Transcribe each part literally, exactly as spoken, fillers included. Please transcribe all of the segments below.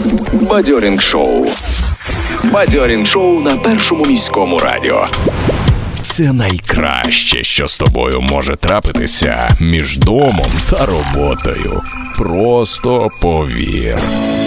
Бадьорінг шоу. Бадьорінг шоу на Першому міському радіо. Це найкраще, що з тобою може трапитися між домом та роботою. Просто повір.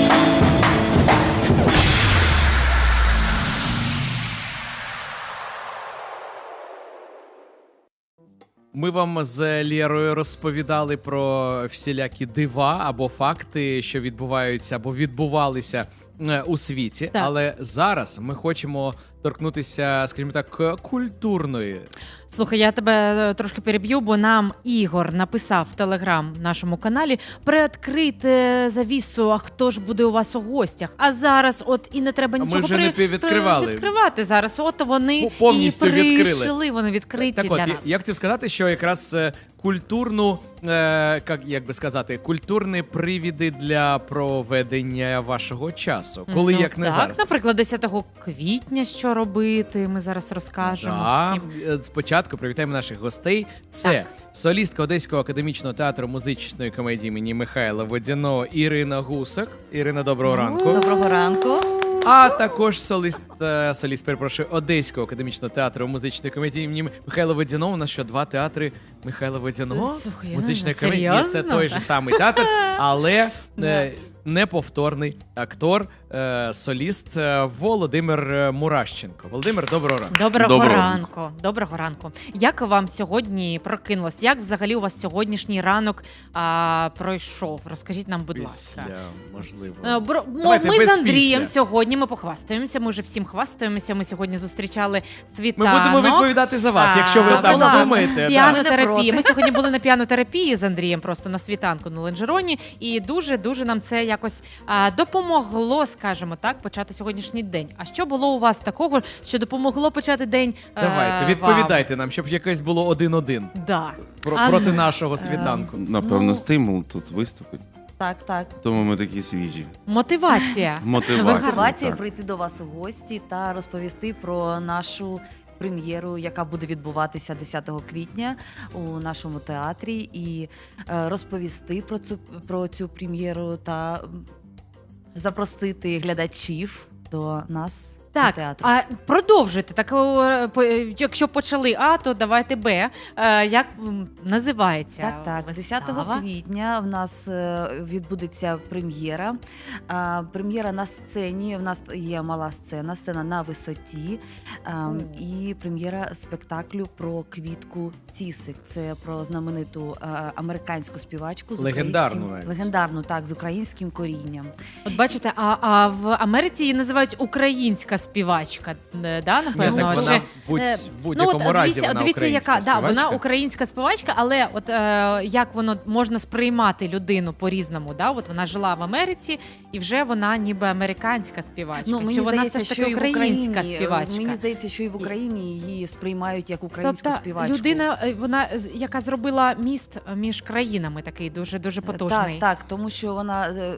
Ми вам з Лєрою розповідали про всілякі дива або факти, що відбуваються або відбувалися у світі. Так. Але зараз ми хочемо торкнутися, скажімо так, культурної. Слухай, я тебе трошки переб'ю, бо нам Ігор написав в Телеграм нашому каналі приоткрити завісу, а хто ж буде у вас у гостях. А зараз от і не треба А ми нічого вже не при... відкривали. відкривати зараз. От вони Повністю і прийшли, відкрили. вони відкриті Так для от, нас. я хотів сказати, що якраз е, культурну, е, як, як би сказати, культурні привіди для проведення вашого часу. Коли, ну, як не так, зараз. наприклад, десятого квітня що робити, ми зараз розкажемо Да. всім. Е, Спочатку привітаємо наших гостей. Це Так. солістка Одеського академічного театру музичної комедії імені Михайла Водяного Ірина Гусак. Ірина, доброго ранку. Доброго ранку. А також соліст, е, соліст, перепрошую, Одеського академічного театру музичної комедії імені Михайла Водяного. У нас що, два театри Михайла Водяного? Слухай, Музична ну, комедія. Ні, це серйозно? той же самий театр, але е, неповторний актор, е, соліст е, Володимир Мурашченко. Володимир, доброго ранку. Доброго, Доброго ранку. Доброго ранку. Як вам сьогодні прокинулось? Як взагалі у вас сьогоднішній ранок а, пройшов? Розкажіть нам, будь ласка. Після, можливо. Е, бро- мо- Давайте Ми без з Андрієм після. сьогодні ми похвастаємося. Ми вже всім хвастаємося. Ми сьогодні зустрічали Ми світанок. будемо відповідати за вас, А, якщо ви так була думаєте. Да. Піанотерапія. Ми не Ми сьогодні були на піанотерапії з Андрієм просто на світанку на Ленджероні. І дуже-дуже нам це якось а, допомогло, скажімо так, почати сьогоднішній день. А що було у вас такого, що допомогло почати день? е, Давайте, відповідайте нам, щоб якесь було один-один Вам? Да. про, А, проти нашого світанку. Напевно, Ну, стимул тут виступить. Так, так. Тому ми такі свіжі. Мотивація. Мотивація. Мотивація так. прийти до вас у гості та розповісти про нашу прем'єру, яка буде відбуватися десятого квітня у нашому театрі, і е, розповісти про цю про цю прем'єру та м, запросити глядачів до нас. до Так, театру. а продовжуйте. Так, о, по- якщо почали А, то давайте Б. Е, Як м, називається? Так, так. вистава? десятого квітня в нас е, відбудеться прем'єра. А, Прем'єра на сцені. В нас є мала сцена, сцена на висоті. А, І прем'єра спектаклю про Квітку Цісик. Це про знамениту е, американську співачку з Легендарну українським- навіть. легендарну, так, з українським корінням. От бачите, а, а в Америці її називають українська співачка, е, да, Ні, напевно? так Чи- вона в будь- е, в будь-якому от, разі дивіться, вона дивіться, українська яка, да, вона співачка. українська співачка, але от е, як воно можна сприймати людину по-різному, да? От вона жила в Америці, і вже вона ніби американська співачка. Ну, мені Чи вона здається, все ж що таки і в українська Україні, співачка? Мені здається, що і в Україні її сприймають як українську Тобто співачку. людина, е, вона з- яка зробила міст між країнами, такий дуже дуже потужний. Так, так, тому що вона е,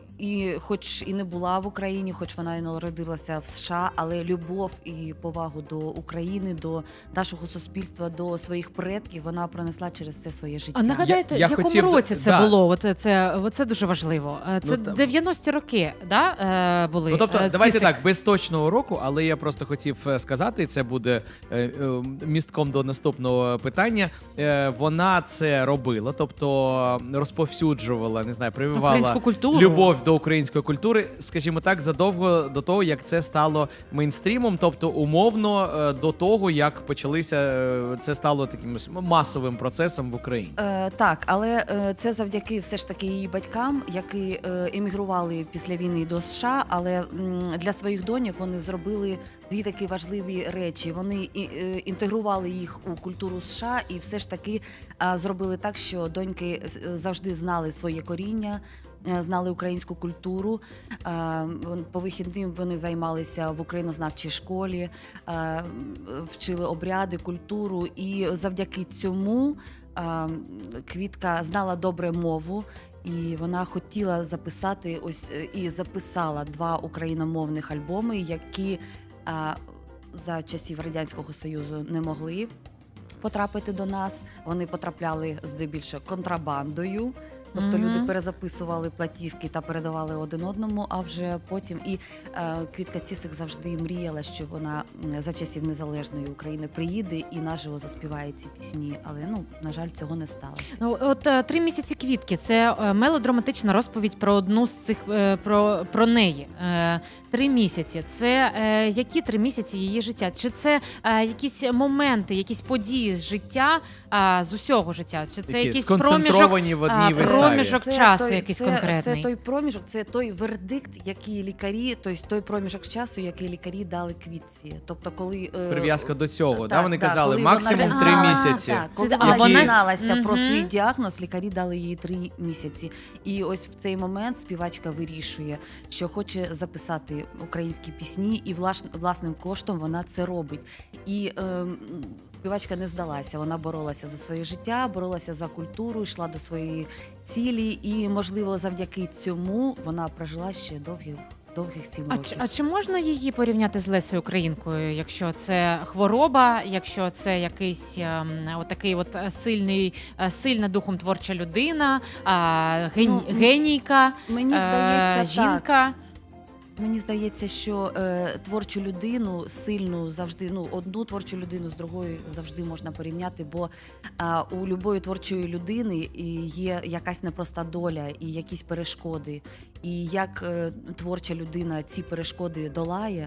і, хоч і не була в Україні, хоч вона і народилася в США, але любов і повагу до України, до нашого суспільства, до своїх предків вона пронесла через все своє життя. А нагадайте, Я- я в якому хотів- році це да. було? От це, це дуже важливо. Е, Це Ну, там- дев'яності роки, да, е, були? Ну, тобто, Е, давайте Цісик. так, без точного року, але я просто хотів е, сказати, і це буде е, е, містком до наступного питання. Е, Вона це робила, тобто розповсюджувала, не знаю, прививала Українську культуру. любов до української культури, скажімо так, задовго до того, як це стало мейнстрімом, тобто умовно е, до того, як почалися, е, це стало таким масовим процесом в Україні. Е, так, але е, це завдяки все ж таки її батькам, які е, емігрували після війни до США, але м, для своїх доньок вони зробили дві такі важливі речі. Вони і, е, інтегрували їх у культуру США і все ж таки е, зробили так, що доньки е, завжди знали своє коріння. е, Знали українську культуру. Е, вон- По вихідним вони займалися в українознавчій школі, е, вчили обряди, культуру, і завдяки цьому е, Квітка знала добре мову. І вона хотіла записати ось е, і записала два україномовних альбоми, які е, за часів Радянського Союзу не могли потрапити до нас. Вони потрапляли здебільшого контрабандою. Тобто Мгм. люди перезаписували платівки та передавали один одному, а вже потім і е, Квітка Цісик завжди мріяла, що вона м, за часів незалежної України приїде і наживо заспіває ці пісні. Але ну на жаль, цього не сталося. Ну, от е, три місяці квітки це е, мелодраматична розповідь про одну з цих е, про, про неї. Е, Три місяці. Це е, які три місяці її життя? Чи це е, якісь моменти, якісь події з життя, е, з усього життя? Чи це Такі якийсь проміжок? сконцентровані в одній а, виставі. проміжок часу якийсь це, конкретний. Це той проміжок, це той вердикт, який лікарі, тобто той проміжок часу, який лікарі дали Квітці. Тобто, коли е, Прив'язка до цього, так, да? Вони так, казали коли максимум вона- три А, місяці. Так, коли Це- вона а вона- дізналася про Мгм. свій діагноз, лікарі дали їй три місяці. І ось в цей момент співачка вирішує, що хоче записати українські пісні, і влаш- власним коштом вона це робить. І ем, співачка не здалася. Вона боролася за своє життя, боролася за культуру, йшла до своєї цілі. І, можливо, завдяки цьому вона прожила ще довгих, довгих сім А років. чи, а чи можна її порівняти з Лесею Українкою, якщо це хвороба, якщо це якийсь ем, отакий от е, сильний, е, сильна духом творча людина, а, ген, Ну, м- генійка, Мені е, здається, так. жінка? Мені здається, що е, творчу людину сильну завжди, ну одну творчу людину з другою завжди можна порівняти, бо е, у любої творчої людини і є якась непроста доля і якісь перешкоди. І як е, творча людина ці перешкоди долає,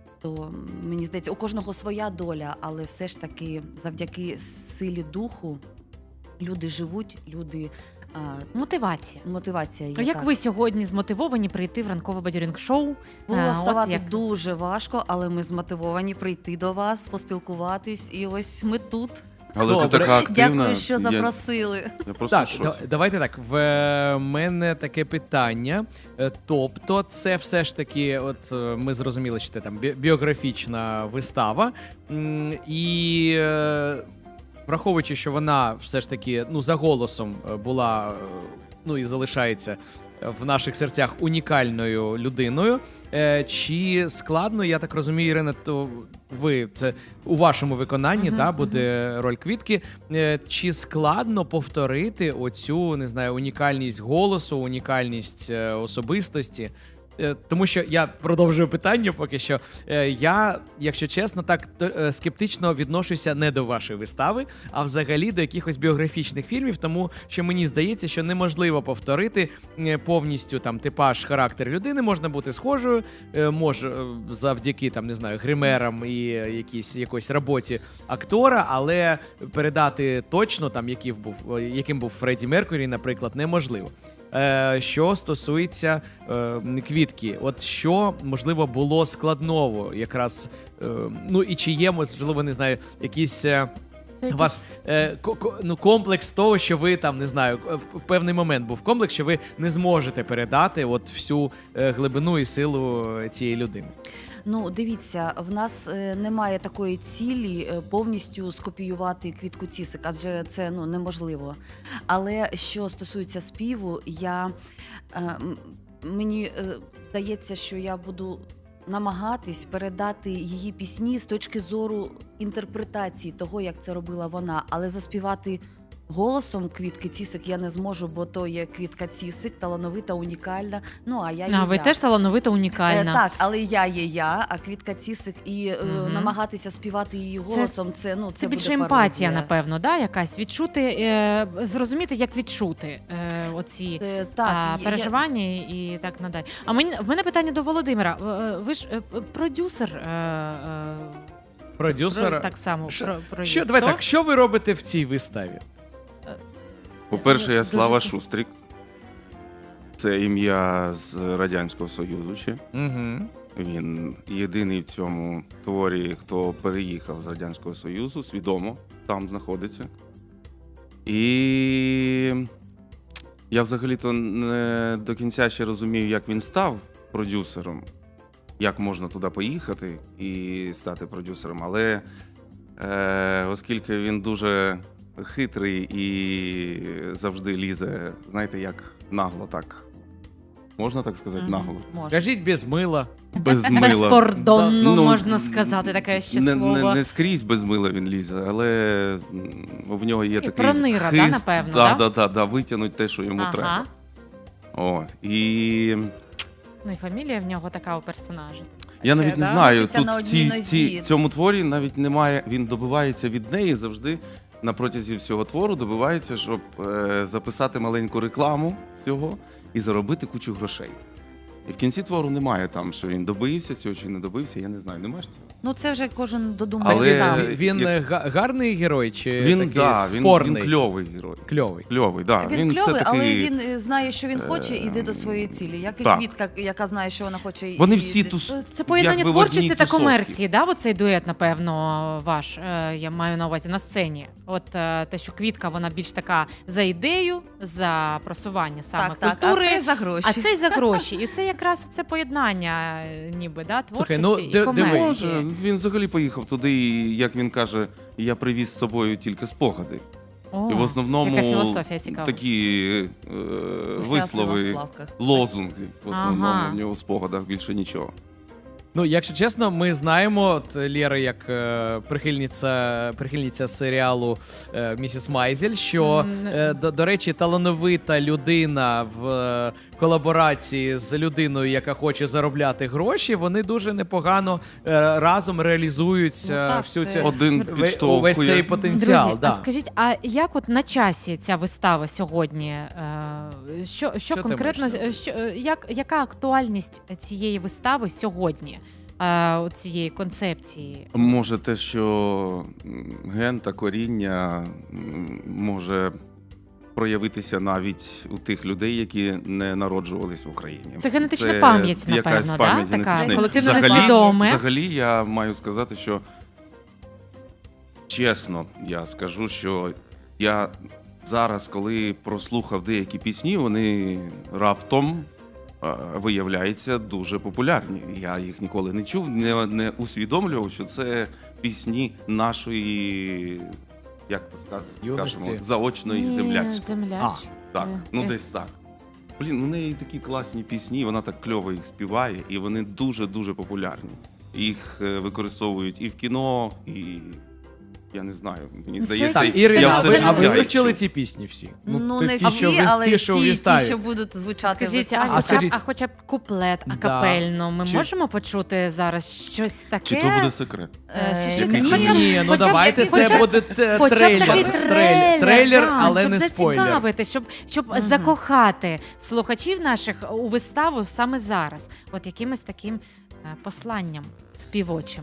то мені здається, у кожного своя доля, але все ж таки завдяки силі духу люди живуть, люди е, Мотивація. мотивація є. Як так. ви сьогодні змотивовані прийти в ранкове бадьорінг-шоу? Було Е, от ставати як- дуже важко, але ми змотивовані прийти до вас, поспілкуватись, і ось ми тут. Але Добре. ти така активна. Дякую, що я, запросили. я просто Так, в да- шоці. давайте так. В е, мене таке питання. Е, Тобто, це все ж таки, от е, ми зрозуміли, що це там бі- біографічна вистава. М, І е, враховуючи, що вона все ж таки ну, за голосом е, була, е, ну і залишається в наших серцях унікальною людиною. Е, Чи складно, я так розумію, Ірина, то ви це у вашому виконанні Мгм, да, мгм. буде роль Квітки. Е, Чи складно повторити оцю, не знаю, унікальність голосу, унікальність е, особистості? Е, Тому що я продовжую питання поки що. Е, Я, якщо чесно, так то- е, скептично відношуся не до вашої вистави, а взагалі до якихось біографічних фільмів, тому що мені здається, що неможливо повторити е, повністю там типаж, характер людини. Можна бути схожою, е, може е, завдяки там не знаю гримерам і якійсь якоїсь роботі актора, але передати точно там, який був е, яким був Фредді Меркурі, наприклад, неможливо. Е, Що стосується е, Квітки, от що можливо було складного, якраз е, ну і чи є, можливо, не знаю, якісь. е, У вас е, ко- ко- ну, комплекс того, що ви там не знаю, в в певний момент був комплекс, що ви не зможете передати от всю е, глибину і силу цієї людини. Ну, дивіться, в нас е, немає такої цілі е, повністю скопіювати Квітку Цісик, адже це ну, неможливо. Але що стосується співу, я, е, м- мені е, здається, що я буду намагатись передати її пісні з точки зору інтерпретації того, як це робила вона, але заспівати голосом Квітки Цісик я не зможу, бо то є Квітка Цісик, талановита, унікальна. Ну, а я є А, ви я. теж талановита, унікальна. Е, так, але я є я, а Квітка Цісик, і е, Мгм. намагатися співати її голосом, це, ну, це, Це буде більше емпатія, пародія. напевно, да? Якась відчути, е, зрозуміти, як відчути е, оці Е, так, а, я- переживання і так надалі. А мені в мене питання до Володимира. Е, Ви ж е, продюсер. Е, е, Продюсер. про- так само Що- про, про Що, давай так, що ви робите в цій виставі? По-перше, я Дуже Слава це- Шустрик. Це ім'я з Радянського Союзу ще. Угу. Він єдиний в цьому творі, хто переїхав з Радянського Союзу, свідомо там знаходиться. І я взагалі-то не до кінця ще розумію, як він став продюсером, як можна туди поїхати і стати продюсером. Але е, оскільки він дуже хитрий і завжди лізе, знаєте, як нагло так Можна так сказати, Мгм. наголо. Можна. Кажіть без мила. Без мила. Безкордонно, Ну, можна сказати, таке ще не, слово. Не, не скрізь без мила він лізе, але м, в нього є І такий пронира, да, хист, напевно, да, да? да, да, да, витягнуть те, що йому Ага. треба. От. І Ну і фамілія в нього така у персонажа. я Ще, навіть не да? знаю, Крутиться тут на в одній цій, нозі. цій, цьому творі навіть немає, він добивається від неї завжди на протязі всього твору, добивається, щоб е, записати маленьку рекламу всього і заробити кучу грошей. І в кінці твору немає там, що він добився цього чи не добився, я не знаю, немає ж цього? Ну це вже кожен додумає Але- сам. Він, він як- е, га- гарний герой чи Він, такий да, він, спорний? він кльовий герой. Кльовий. Кльовий, да. Він, він кльовий, все-таки... але він е, знає, що він хоче, і йде до своєї цілі. Як і Так. Квітка, яка знає, що вона хоче. Вони і- всі тус... Це поєднання якби в одній творчості та тусовці. комерції, да? Оцей дует, напевно, ваш, е, я маю на увазі, на сцені. От е, те, що Квітка, вона більш така за ідею, за просування саме так, так, культури. а це за гроші. А це й за гроші. І це якраз це поєднання, е, ніби, да, Слухай, творчості ну, і ди- комерції. дивись. Може, він взагалі поїхав туди, і, як він каже, я привіз з собою тільки спогади. О, і в основному яка філософія цікава. такі е, Уся вислови, сила в плавках. лозунги. В основному Ага. в нього в спогадах більше нічого. Ну, якщо чесно, ми знаємо, от Лєра, як е, прихильниця, прихильниця серіалу е, Місіс Майзель, що, М, е, до, до речі, талановита людина в е, колаборації з людиною, яка хоче заробляти гроші, вони дуже непогано е, разом реалізують Ну, е, так, всю це- цю Один ве- підштовхує. увесь цей потенціал. Друзі, да. а скажіть, а як от на часі ця вистава сьогодні? Е, Що, що, Що ти конкретно, маєш на е, що, е, як, яка актуальність цієї вистави сьогодні, е, от цієї концепції? Може, те, що м, ген та коріння м, може проявитися навіть у тих людей, які не народжувались в Україні. Це генетична пам'ять, якась напевно, да? пам'ять Така генетична. колективно Взагалі- несвідоме. Взагалі, я маю сказати, що чесно, я скажу, що я зараз, коли прослухав деякі пісні, вони раптом е, виявляються дуже популярні. Я їх ніколи не чув, не, не усвідомлював, що це пісні нашої, як то сказ- Юності. скажемо, заочної Ні, землячки. земляч. Так, Е, ну е. десь так. Блін, у неї такі класні пісні, вона так кльово їх співає, і вони дуже-дуже популярні. Їх е, використовують і в кіно, і я не знаю, мені Це здається, Так, Це- я Ірина, а все ви, а життя ви їх вивчили чув. ці пісні всі? Ну, ти- не ті, всі, що в вис- але ті, ті, що в ті, виставі. що будуть звучати в Скажіть, а, виставі. а хоча, скажіть- б, а хоча б куплет Да. акапельно, ми Чи- можемо почути зараз щось таке? Чи то буде секрет? Е, Е, щось- ні, хоча б- Ні, ну хоча б давайте якийсь- це хоча б- буде те- Хоча б трейлер. такий трейлер, трейлер, трейлер, да, але щоб не спойлер. зацікавити, щоб, щоб Мгм. закохати слухачів наших у виставу саме зараз. От якимось таким е, посланням співочим.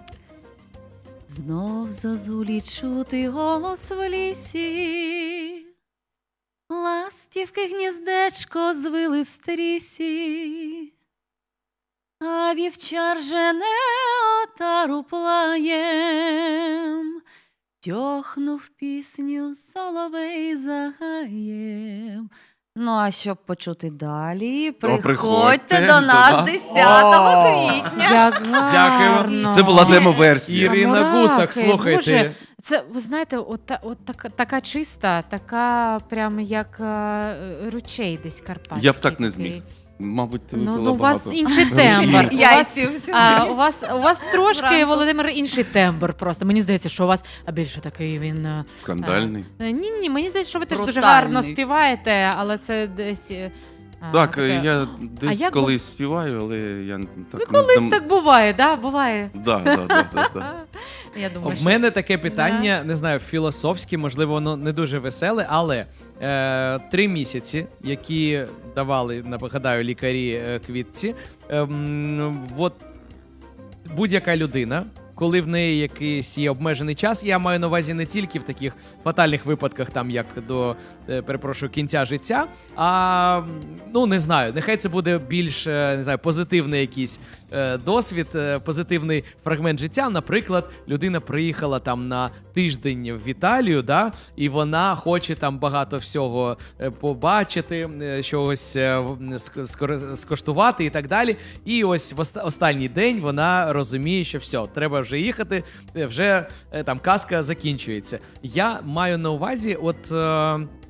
Знов зозулі чути голос в лісі, ластівки гніздечко звили в стрісі, а вівчар жене отару плаєм, тьохнув пісню соловей загаєм. Ну, а щоб почути далі, приходьте, приходьте до до нас нас. десятого О! квітня. Як гарно. Це була демо-версія. Ірина Мурахи, Гусак, слухайте. Боже, це, ви знаєте, от, та- от така, така чиста, така прямо як е, ручей десь карпатський. Я б так не такий. зміг. Мабуть, ти Ну, випила ну, у вас багато. інший тембр. У вас, Яйців. а, у, вас, у вас трошки, Вранку. Володимир, інший тембр просто. Мені здається, що у вас а більше такий він. е, Скандальний. е, Ні, ні, мені здається, що ви теж дуже Брутальний. гарно співаєте, але це десь. е, а, Так, таке- я десь як колись співаю, але я так Ну, не колись здам... так буває, да? Буває. Да, да, да, да, да. Я думаю, В що... мене таке питання, не знаю, філософське, можливо, воно не дуже веселе, але е, три місяці, які давали, нагадаю, лікарі е, Квітці, ем, от будь-яка людина, коли в неї якийсь є обмежений час, я маю на увазі не тільки в таких фатальних випадках, там як до, е, перепрошую, кінця життя, а ну не знаю, нехай це буде більш е, не знаю, позитивний якийсь е, досвід, е, позитивний фрагмент життя. Наприклад, людина приїхала там на тиждень в Італію, да, і вона хоче там багато всього е, побачити, е, чогось е, в- ск- скоро- скоштувати і так далі. І ось в оста- останній день вона розуміє, що все, треба вже їхати, е, вже е, там казка закінчується. Я маю на увазі, от. Е,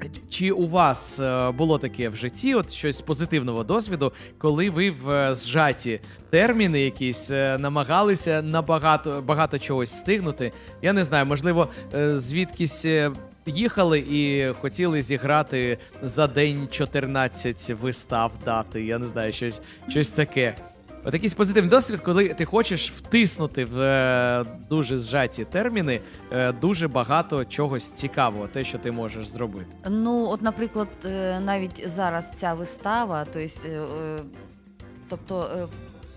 Чи у вас е, було таке в житті, от щось з позитивного досвіду, коли ви в е, зжаті терміни якісь е, намагалися набагато багато чогось встигнути? Я не знаю, можливо, е, звідкись е, їхали і хотіли зіграти за день чотирнадцять вистав дати. Я не знаю, щось, щось таке. От якийсь позитивний досвід, коли ти хочеш втиснути в е, дуже зжаті терміни е, дуже багато чогось цікавого, те, що ти можеш зробити. Ну, от, наприклад, е, навіть зараз ця вистава, то есть, е, е, тобто е,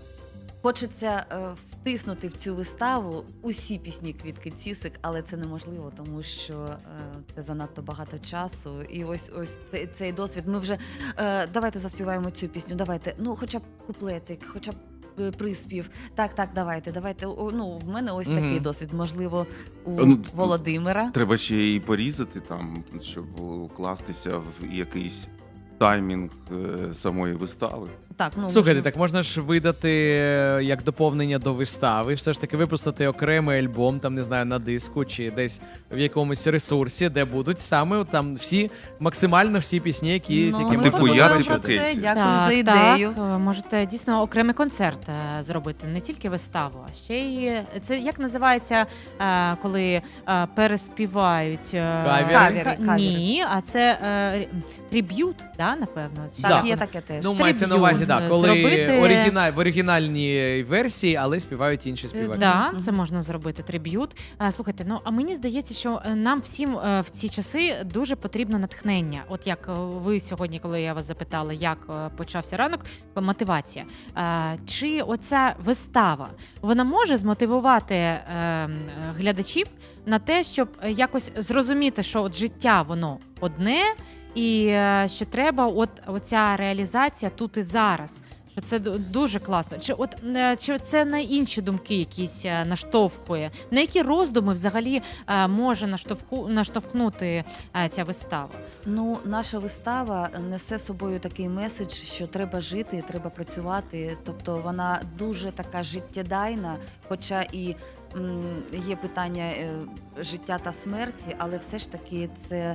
хочеться е, втиснути в цю виставу усі пісні Квітки Цісик, але це неможливо, тому що е, це занадто багато часу. І ось ось цей, цей досвід. Ми вже е, давайте заспіваємо цю пісню, давайте, ну хоча б куплетик, хоча б е, приспів. Так, так, давайте, давайте. О, ну, в мене ось Мгм. такий досвід, можливо, у Ну, Володимира. Треба ще і порізати там, щоб укластися в якийсь таймінг е, самої вистави. Так, ну, Слухайте, можливо. так можна ж видати е, як доповнення до вистави, все ж таки випустити окремий альбом, там не знаю, на диску чи десь в якомусь ресурсі, де будуть саме там всі, максимально всі пісні, які Ну, тільки ми можна Типу, я, подумаємо типу, про це. Кейсі. Дякую Так, за ідею. Так, е, можете дійсно окремий концерт е, зробити, не тільки виставу, а ще й це як називається, е, коли е, переспівають е, Кавери? Кавери, ка- кавери. Ні, а це е, триб'ют, да, напевно. Чи Так, Да. як є воно? таке теж. Ну, Триб'ют мається на увазі, так, коли зробити. оригіналь, в оригінальній версії, але співають інші Е, співаки. Да, Мгм. це можна зробити триб'ют. Е, Слухайте, ну а мені здається, що е, нам всім е, в ці часи дуже потрібно натхнення. От як е, ви сьогодні, коли я вас запитала, як е, почався ранок, е, мотивація. Е, Чи оця вистава вона може змотивувати е, м, глядачів на те, щоб е, якось зрозуміти, що от життя воно одне, і е, що треба, от оця реалізація тут і зараз. Що це ду- дуже класно. Чи от е, чи це на інші думки якісь е, наштовхує? На які роздуми взагалі е, може наштовху наштовхнути е, ця вистава? Ну, наша вистава несе собою такий меседж, що треба жити, треба працювати. Тобто вона дуже така життєдайна, хоча і м, є питання е, життя та смерті, але все ж таки це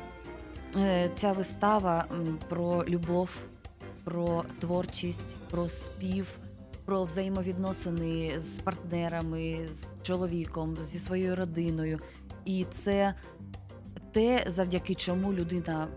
е, ця вистава м, про любов, про творчість, про спів, про взаємовідносини з партнерами, з чоловіком, зі своєю родиною. І це те, завдяки чому людина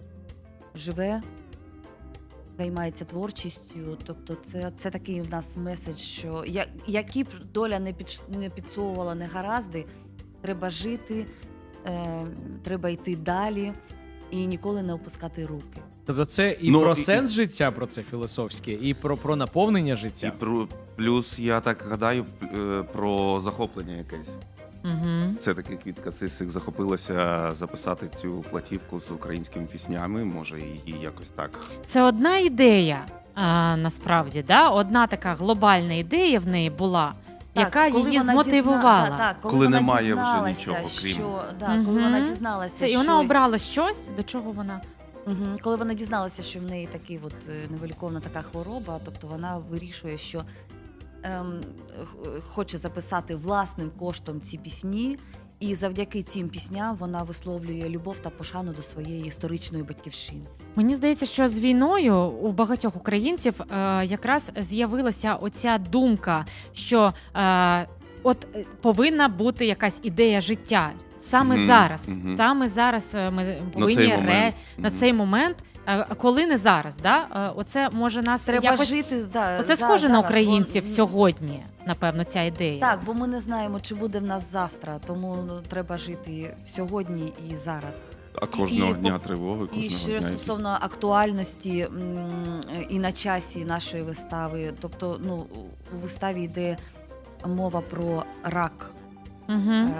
живе, займається творчістю. Тобто це, це такий в нас меседж, що я, які б доля не, під, не підсовувала негаразди, треба жити, е, треба йти далі і ніколи не опускати руки. Тобто це і Ну, про і- сенс життя, про це філософське, і про, про наповнення І життя. про, плюс, я так гадаю, е, про захоплення якесь. Угу. Це таки Квітка Цисик захопилася записати цю платівку з українськими піснями. Може, її якось так. Це одна ідея. А, насправді, да? Одна така глобальна ідея в неї була, яка коли її вона змотивувала. дізна- так, коли, Коли вона немає вже дізналася, нічого, крім- що, да, коли Мгм. вона дізналася, Це, і що... вона обрала щось, до чого вона. Мгм. Коли вона дізналася, що в неї такий от е, невиліковна така хвороба, тобто вона вирішує, що ем, х- хоче записати власним коштом ці пісні, і завдяки цим пісням вона висловлює любов та пошану до своєї історичної батьківщини. Мені здається, що з війною у багатьох українців е, якраз з'явилася оця думка, що е, от е, повинна бути якась ідея життя. Саме Мгм, зараз, мгм. саме зараз е, ми На повинні цей ре... момент. на Мгм. цей момент, е, коли не зараз, да? Е, оце може нас Треба якось... жити, да, Оце за- схоже на зараз, українців бо- сьогодні, напевно, ця ідея. Так, бо ми не знаємо, чи буде в нас завтра, тому ну, треба жити сьогодні і зараз. А кожного І- дня тривоги, І кожного ще дня. стосовно актуальності м, і на часі нашої вистави, тобто ну, у виставі йде мова про рак. Угу. Ем,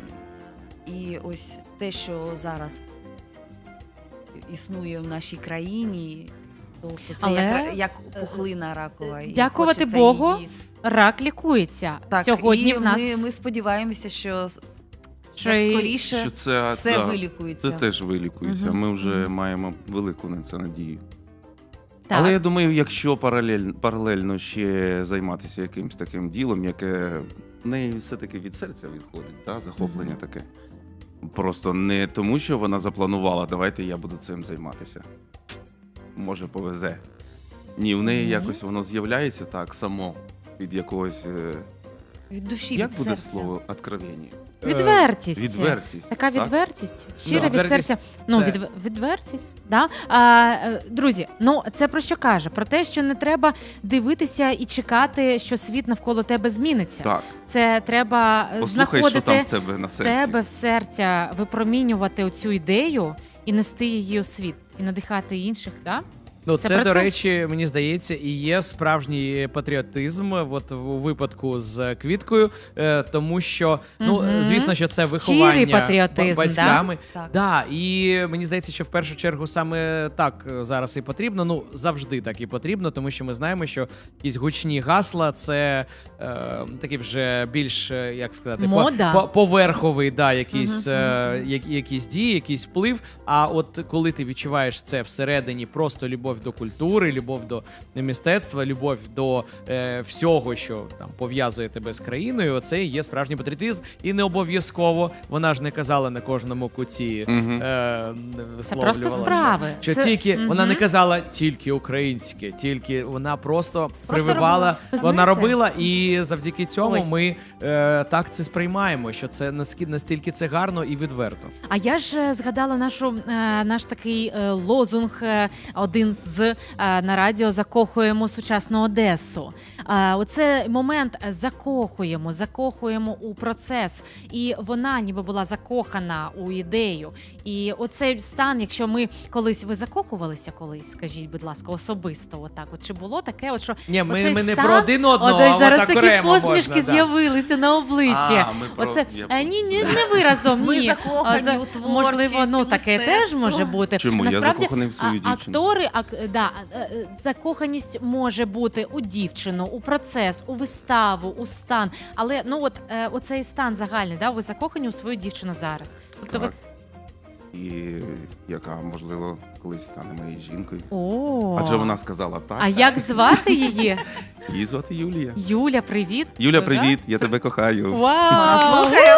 І ось те, що зараз існує в нашій країні, тобто це Але, як, як пухлина ракова. і дякувати хочеться Богу, її- Рак лікується. Так, Сьогодні і в нас ми, ми сподіваємося, що с- що як і- скоріше Що це, все да, вилікується. це теж вилікується. Мгм, Ми вже мгм. маємо велику на це надію. так. Але я думаю, якщо паралель, паралельно ще займатися якимось таким ділом, яке в неї все-таки від серця відходить, да? захоплення Мгм. таке, Просто не тому, що вона запланувала, давайте я буду цим займатися. Може, повезе. Ні, в неї Мгм. якось воно з'являється так само від якогось. е, Від душі, Як від буде серця. слово «откровення»? Е, Відвертість. Відвертість. Така так? відвертість, щира від відвертість серця. Ну, це- від, відвертість. Да? А, е, друзі, ну це про що каже? Про те, що не треба дивитися і чекати, що світ навколо тебе зміниться. Так. Це треба е, Послухай, що там знаходити в тебе на серці. тебе в серця, випромінювати оцю ідею і нести її у світ, і надихати інших. Да? Ну, Це це, про до це? речі, мені здається, і є справжній патріотизм, от у випадку з Квіткою, е, тому що, ну, Мгм. звісно, що це Щирий виховання патріотизм, ба- батьками. Так. Да, і мені здається, що в першу чергу саме так зараз і потрібно. Ну, завжди так і потрібно, тому що ми знаємо, що якісь гучні гасла це е, такі вже більш, е, як сказати, по- Мода. по- поверховий, да, якийсь, Мгм, е, я- якісь дії, якийсь вплив. А от коли ти відчуваєш це всередині, просто любов до культури, любов до мистецтва, любов до е, всього, що там пов'язує тебе з країною, це і є справжній патріотизм. І не обов'язково, вона ж не казала на кожному куті. Мгм. Е, Це просто висловлювала, справи. Що Це- тільки Мгм. вона не казала тільки українське, тільки вона просто, прививала, робила. Ви вона знаєте? робила, і завдяки цьому Ой. ми е, так це сприймаємо, що це наскільки настільки це гарно і відверто. А я ж е, згадала нашу е, наш такий е, лозунг, е, один з е, на радіо закохуємо сучасну Одесу. Е, оце момент е, закохуємо, закохуємо у процес, і вона ніби була закохана у ідею. І оцей стан, якщо ми колись ви закохувалися колись, скажіть, будь ласка, особисто, отак, от чи було таке, от що Ні, ми, оцей ми не стан, про один одного, от а зараз от такі окремо посмішки можна, да. з'явилися на обличчі. А, ми про- Оце я е, ні, ні, не ви разом, ні. Ми закохані А, за- у творчість, можливо, ну у таке теж мистецтво. може бути. Чому? Я Насправді, закоханий в свою а- дівчину. Актори, ак, да, е, е, закоханість може бути у дівчину, у процес, у виставу, у стан. Але ну от е, оцей стан загальний, да, ви закохані у свою дівчину зараз. Тобто ви Так. І яка, можливо, колись стане моєю жінкою. О. Адже вона сказала так. А як звати її? Її звати Юлія. Юля, привіт. Юля, Да? привіт, я тебе кохаю. Вау! Слухаю.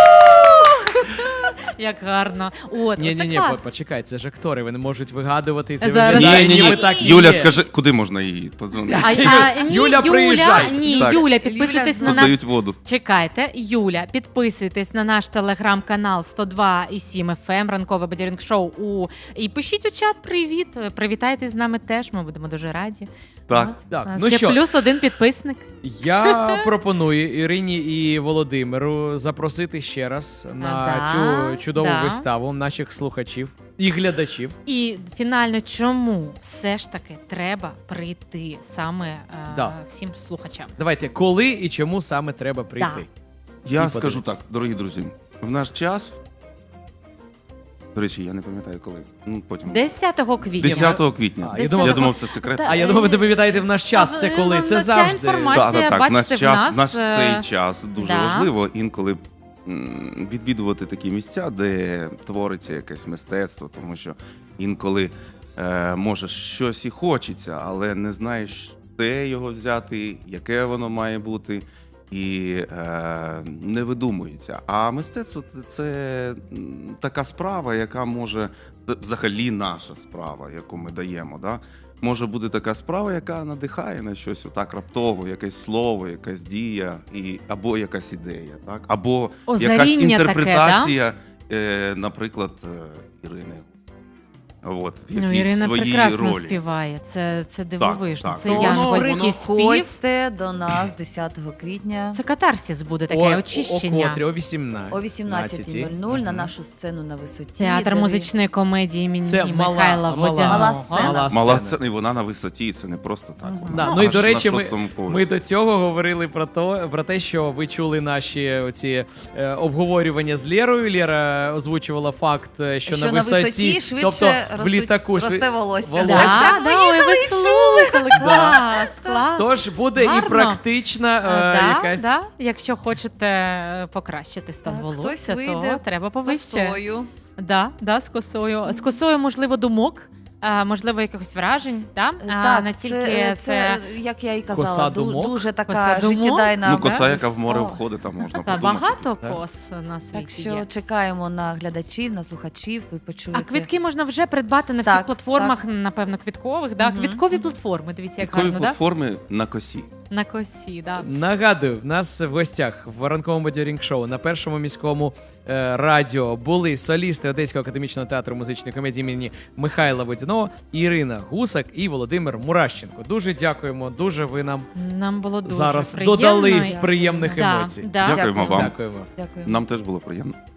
Як гарно. От, Ні, оце ні, ні, клас. почекай, це ж актори, вони можуть вигадувати і це Зараз. виглядає, Ні, ні, ніби ні. так і Юля, є. скажи, куди можна її подзвонити? А, а, ні, Юля, приїжджай. Ні, Так. Юля, підписуйтесь Юля, на Тут нас. дають воду. Чекайте, Юля, підписуйтесь на наш телеграм-канал сто два і сім еф ем, ранкове бадьорінг шоу. У... І пишіть у чат привіт. Привітайтесь з нами теж, ми будемо дуже раді. Так. От. Так, У нас ну ще що? плюс один підписник. Я пропоную Ірині і Володимиру запросити ще раз на да, цю чудову да. виставу наших слухачів і глядачів. І фінально, чому все ж таки треба прийти саме е, Да. всім слухачам? Давайте, коли і чому саме треба прийти? Я І скажу подивитись. так, дорогі друзі, в наш час. До речі, я не пам'ятаю коли. Ну, потім. десятого квітня. десятого квітня. А, я, я думав, думав, це секрет. Та- А я думав, ви не пам'ятаєте в наш час. Це коли? Це Ну, ця завжди. інформація, Так, так, так. бачите, Наш в час, нас, наш е, цей час дуже да. важливо інколи м, відвідувати такі місця, де твориться якесь мистецтво, тому що інколи е, може щось і хочеться, але не знаєш, де його взяти, яке воно має бути. І е, не видумується. А мистецтво це м, така справа, яка може з- взагалі наша справа, яку ми даємо. Да? Може бути така справа, яка надихає на щось отак раптово, якесь слово, якась дія, і, або якась ідея, так? Або Озаріння якась таке, інтерпретація, е, наприклад, е, Ірини. От, в Ну, якійсь Ірина своїй прекрасно ролі. співає. Це, це дивовижно. так. Це Тому янгольський спів. Приходьте до нас десятого квітня Це катарсис буде таке О, очищення. О, котрі, о вісімнадцятій. о вісімнадцятій нуль нуль на Мгм. нашу сцену на висоті. Театр де ви- музичної комедії імені Це мала, Михайла мала, Водяного. Мала сцена. мала Мала сцена. сцена, і вона на висоті, це не просто так. Мгм. Вона Да, ну і аж до речі, на ми, шостому ми поверсі. до цього говорили про то, про те, що ви чули наші оці е, обговорювання з Лєрою. Лєра озвучувала факт, е, що, Що на на висоті, висоті швидше тобто в ростуть- літаку шви- росте волосся. волосся. Да, Ми да, ой, ви слухали, клас, клас. Тож буде Гарно. і практична Е, е, да, якась. да. Якщо хочете е, покращити стан Так, волосся, хтось то вийде треба повище. Косою. Да, да, з косою. З косою, можливо, думок. е, можливо, якихось вражень, да? а Так, не тільки це, це, це, як я і казала, коса ду- думок. дуже така Коса думок? життєдайна. Ну, коса, да? яка в море О. входить, там можна Та, подумати. багато так. кос на світі Так що є. чекаємо на глядачів, на слухачів, ви почуєте. А квитки можна вже придбати на всіх Так, платформах, напевно, квіткових. Да? Мгм, Квіткові мгм. платформи, дивіться, як Такої гарно, да? платформи на косі. На косі, да. Нагадую, в нас в гостях в ранковому бадьорінг-шоу на першому міському е, радіо були солісти Одеського академічного театру музичної комедії імені Михайла Водяного, Ірина Гусак і Володимир Мурашченко. Дуже дякуємо, дуже ви нам Нам було дуже зараз приємно. додали Дякую. приємних Да, емоцій. да. Дякуємо вам. Дякуємо. Дякую. Нам теж було приємно.